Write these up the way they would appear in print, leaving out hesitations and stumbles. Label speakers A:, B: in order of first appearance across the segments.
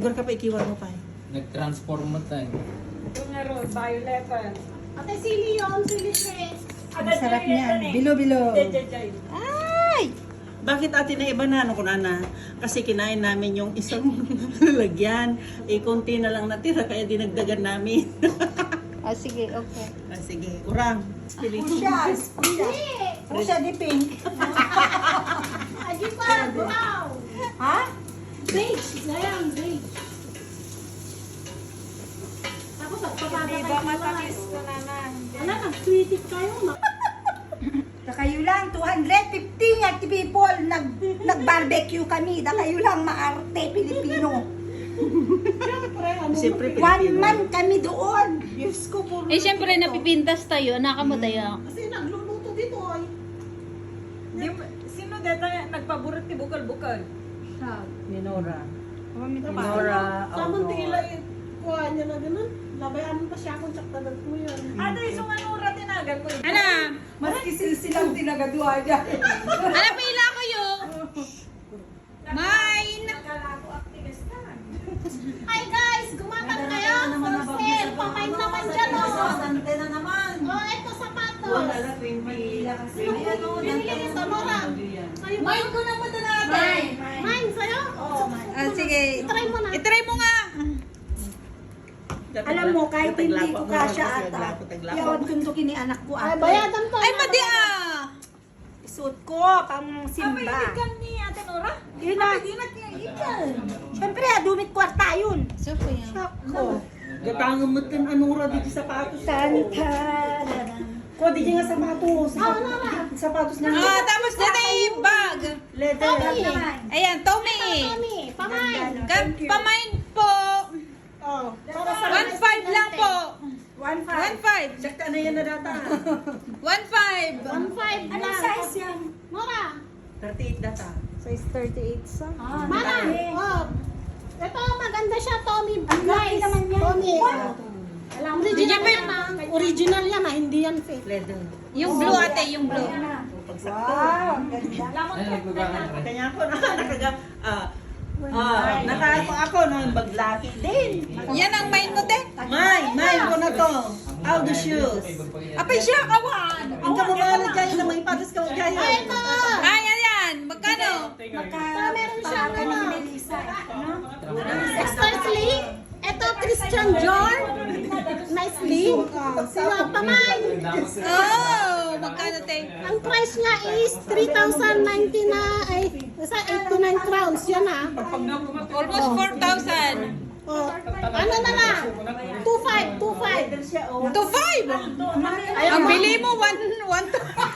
A: Sugar ka pa, ikiwan mo pa eh.
B: Nag-transform mo tayo.
C: Ito nga ro, violet.
D: Ate, sili yun, sili siya.
C: Ang
E: Sarap niyan. Bilo-bilo.
A: Ay! Bakit ate na iba na? Ano ko na? Kasi kinain namin yung isang lalagyan. Eh, konti na lang natira, kaya dinagdagan namin.
E: Ah, sige, okay.
A: Ah, sige, kurang.
E: Pusha. Pusha di pink.
D: Adi pa, brown.
E: Ha?
D: Beige. Sayang, beige. Tapos, pagpapatay
C: Diba matamis ko naman.
D: Wala, nag-sweetie kayo.
E: Da kayo lang, 250 at people, nag-barbecue kami. Da kayo lang, maarte, Pilipino.
A: Siyempre,
E: One
A: Pilipino.
E: man kami doon.
A: Yes ko po.
F: Eh, syempre, napipintas tayo. Nakamo tayo.
A: Kasi nagluluto dito ay.
C: Sino dito nagpaborito ni bukal-bukal?
A: Minora.
E: Oh,
A: Minora.
D: Samantila, kuha niya na ganun. Labayan pa siya kung tsaktanan mo yun.
C: Ano yung anura tinagal mo?
F: Ano?
E: Maski silang tinagadwa dyan.
F: Ano pila ko yun? Mine!
C: Nagkala ko activist ka.
D: Hi guys, gumatang kayo. For sale. Pamain naman dyan o.
E: Sante na naman.
D: Oh, ito sapatos.
A: Wala na 20.
D: Binili nito, Nora.
E: Mine ko na punta natin.
D: Mine, sa'yo? Oo, mine.
F: Ah, sige.
D: Try mo na.
F: I-try mo nga.
E: Alam mo, kahit hindi ko kasya ata,
A: Taglapo.
E: yawad kuntukin ni anak ko
D: Ay,
E: ate.
D: bayadan to.
F: Ay, madi ah.
E: Suot ko, pang simba.
C: Ikan ni Ate Nora?
E: Yun na. Siyempre, dumit kwarta yun.
F: So, po yan.
E: Ko.
A: Gatangan mo tin anura dito sapatos.
E: Tanta.
A: Ko di nga sapatos. Sapatos na.
F: Ah, tapos dito yung bag.
A: Leather.
F: Ayan, Tommy.
D: Tommy, pamain.
F: Pamain po.
D: Oh, para sa
F: 1.5 lang po.
E: 1.5.
F: 1.5.
A: Sakta na yan na data.
F: 1.5.
D: 1.5
E: Anong
D: lang.
E: size yan?
D: Nora,
A: 38 data.
C: Size 38 sa.
E: Ah,
D: Mara, oh. Ito, maganda siya, Tommy.
E: Ang laki
D: Guys,
E: naman yan.
D: Tommy.
E: Alam mo,
D: Original yan ah. Original yan ah, hindi yan fake.
A: Leather.
F: Yung blue ate, yung blue.
E: wow, ganda.
B: Ay, nagbabangan ka.
A: Kanya ako nakaga nakaano ako nung baglaki din.
F: Yan ang main mo, te.
A: May ko na to. All the shoes.
F: Apay siya, kawan.
A: Ang kamamala dyan na may patas ka dyan.
D: Ay, ito.
F: Ay, ayan. Magkano?
D: Meron siya,
E: Baka
D: ano.
E: ni Melissa. No?
D: Extra sling. Ito, Christian Dior. Nice sling. Sila, pamain.
F: Oh, magkano, te?
D: Ang price niya is 3,090 na, ay, 89 crowns. Yan ah.
F: Almost 4,000.
D: Oh, ano na lang? 2,500, 2,500.
F: 2.5. Ang bili mo, 1.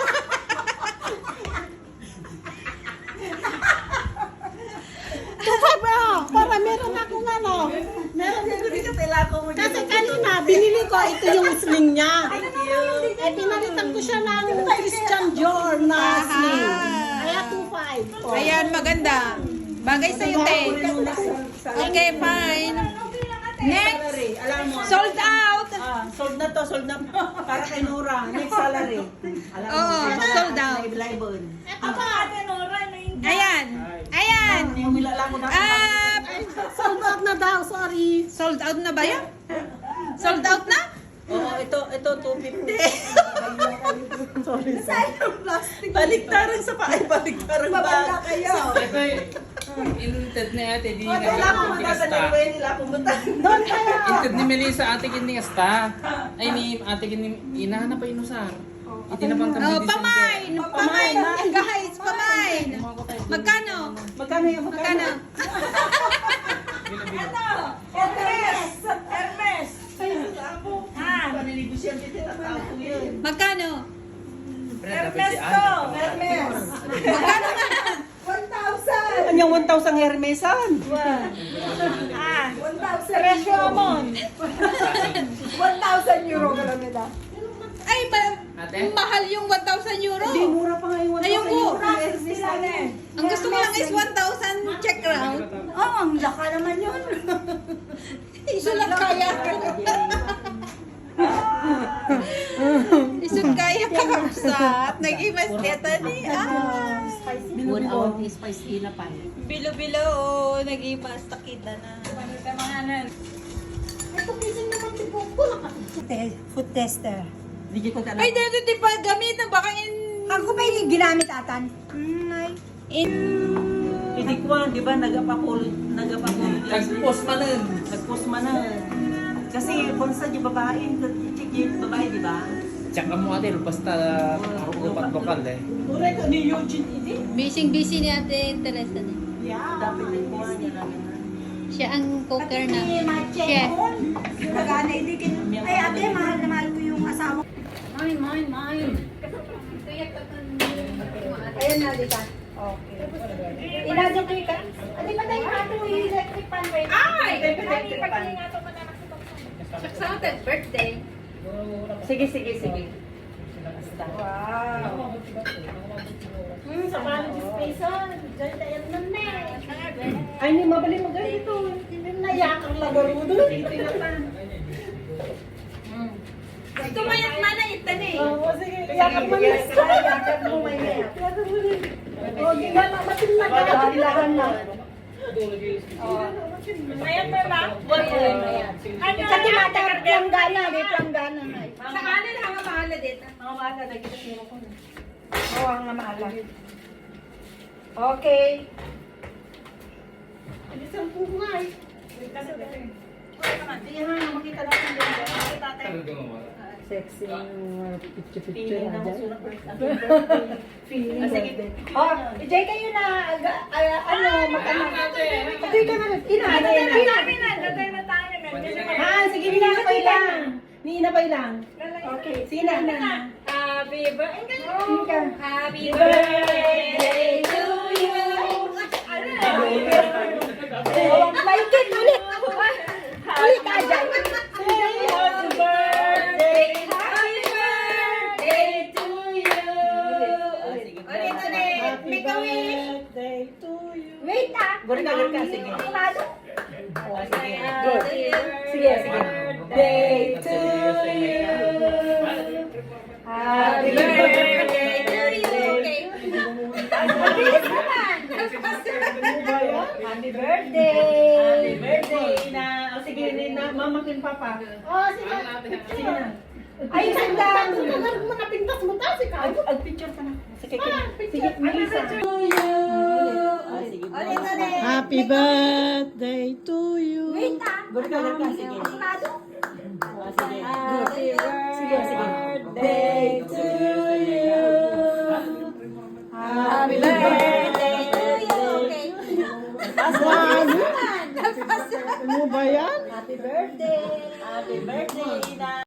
D: Para meron akong ano.
A: Meron ko dito tila ko mo.
D: Kasi kanina, binili ko, ito yung sling niya.
A: Thank you.
D: Eh, pinalitan ko siya ng Christian Dior na sling. Kaya 2,500. Oh.
F: Ayan, maganda. Bagay sa'yo, te. Okay, fine. Next,
A: Salary, alam mo.
F: sold out.
A: Sold na to, sold na. Para kay Nora. Next salary. Alam mo.
F: Oo, sold out.
A: Live-live.
D: Ito pa.
C: Ate Nora,
F: Ayan. Ayan.
A: Yung milala ko na.
F: Ah,
D: Sold out na daw, sorry.
F: sold out na ba yan? Sold out na?
A: Oo, ito 250. Sorry. Baliktaran sa pa. Ay, baliktaran ba?
E: Babala kayo.
B: Ito inted ni ate, di
A: Wala
B: na
A: akong
B: kunting
A: punta sa
B: asta.
A: Nilwe, nila pumunta.
D: Doon kayo.
B: Inted ni Melissa, ate kining asta. Ay, ni ate kining inahanap pa inusar. Iti na pang
F: Oh, pamain. Pamain. Guys, pamain. Magkano?
A: Magkano yung
F: Magkano?
C: Hermes! Hermes!
A: Paninigosyante din ang tao ko yun.
F: Magkano?
C: Hermes to!
E: Hermes.
F: Magkano nga?
E: 1,000.
A: Kanyang 1,000 Hermesan.
E: 1,000
C: Presyo mo!
E: 1,000 euro ka lang nila.
F: Ay,
B: Ate?
F: mahal yung 1,000 euro.
A: Hindi, mura pa nga yung 1,000
F: Ayoko.
A: euro.
E: Sila na.
F: Ang gusto ko lang is 1,000 check round.
E: Oo, ang laka naman yun.
F: Iso lang kaya ko. Iso kaya ka. Sa nag-imas dito ni. Ah.
D: Good out is spicy na pa.
F: Bilo-bilo. Nag-imas. Takita na.
E: Food tester.
A: Hindi ko
F: Ay, dito di pa gamit na baka
E: Ako pa yung ginamit atan.
A: Hindi ko, di ba, nagapapul.
B: Nag-post man nun.
A: Nag-post man na. Kasi bonsa yung babae, chick yung babae, di ba?
B: Tsaka mo ate, basta lupat lokal eh.
A: Correct, ni Eugene, hindi?
G: Busy ni Ate Teresa.
A: Dapat yung kuha niya namin.
G: Siya ang cooker na.
E: Chef.
G: Chef.
E: Nagana, hindi ay ate, mahal na mahal ko yung asawa.
G: Mine.
E: Ayan na, di ba? Okay. Ilagay ko yung Adi ba tayo ato yung electric fan ba? Ay! Electric fan.
G: Sa atin, birthday.
A: Sige.
E: Wow.
D: Sa paano dispensan? Diyan tayo na. Ay, hindi mabali mo ganito. Hindi na yakang lagaro doon.
F: Ito mayat mana itan eh.
D: Oo, sige. Yakang mo na.
E: Yakap mo may mayat.
D: O, gigana. Matin na ka.
E: Kailangan na.
F: Mayat pa ba? Ano?
E: Kasi mata, planggana. May planggana na.
F: Sa kanan hanga mahala dito.
E: Mga mahala, nagkita siya ko na. Oo, ang mahala. Okay.
D: Isang pungay.
A: Hindi ha, makita natin din. Makita tayo.
D: Sexy. Picture
A: Feeling na masulat ko.
D: Feeling.
A: Sige.
E: Oh, Jay kayo na, ano, mag-anak. Ito ka na,
F: Datay na tayo.
D: Ha, sige, ninapay lang. Ninapay lang.
E: Okay,
D: Sige na.
F: Happy birthday. Happy
E: birthday
F: birthday to you.
E: Oh, Michael, ulit. Ulit ka dyan.
F: Happy birthday. Happy birthday to you. Ulit. Make a wish.
D: Birthday to you.
E: Wait ah.
A: Gurka, sige.
E: Animado.
A: Sige.
F: Good.
E: Sige. Birthday to you. Happy
F: Birthday to you. Okay.
E: Mabilis naman. Happy birthday.
A: Happy birthday na. O sige, mamakin papa.
D: Oh, sige. Sige na.
E: Ay, sandang.
D: Tagal mo na pintas mo ta si Kao.
A: Picture ka na. Sige,
D: Sige, Melissa.
F: Ulit.
D: Happy birthday to you.
E: Wait ah.
A: Gurka, sige.
E: Animado.
A: Sige.
E: Sige, sige. Birthday to you. Happy birthday to you. Okay.
D: Ano ba yan?
E: Happy birthday.
A: Happy birthday na.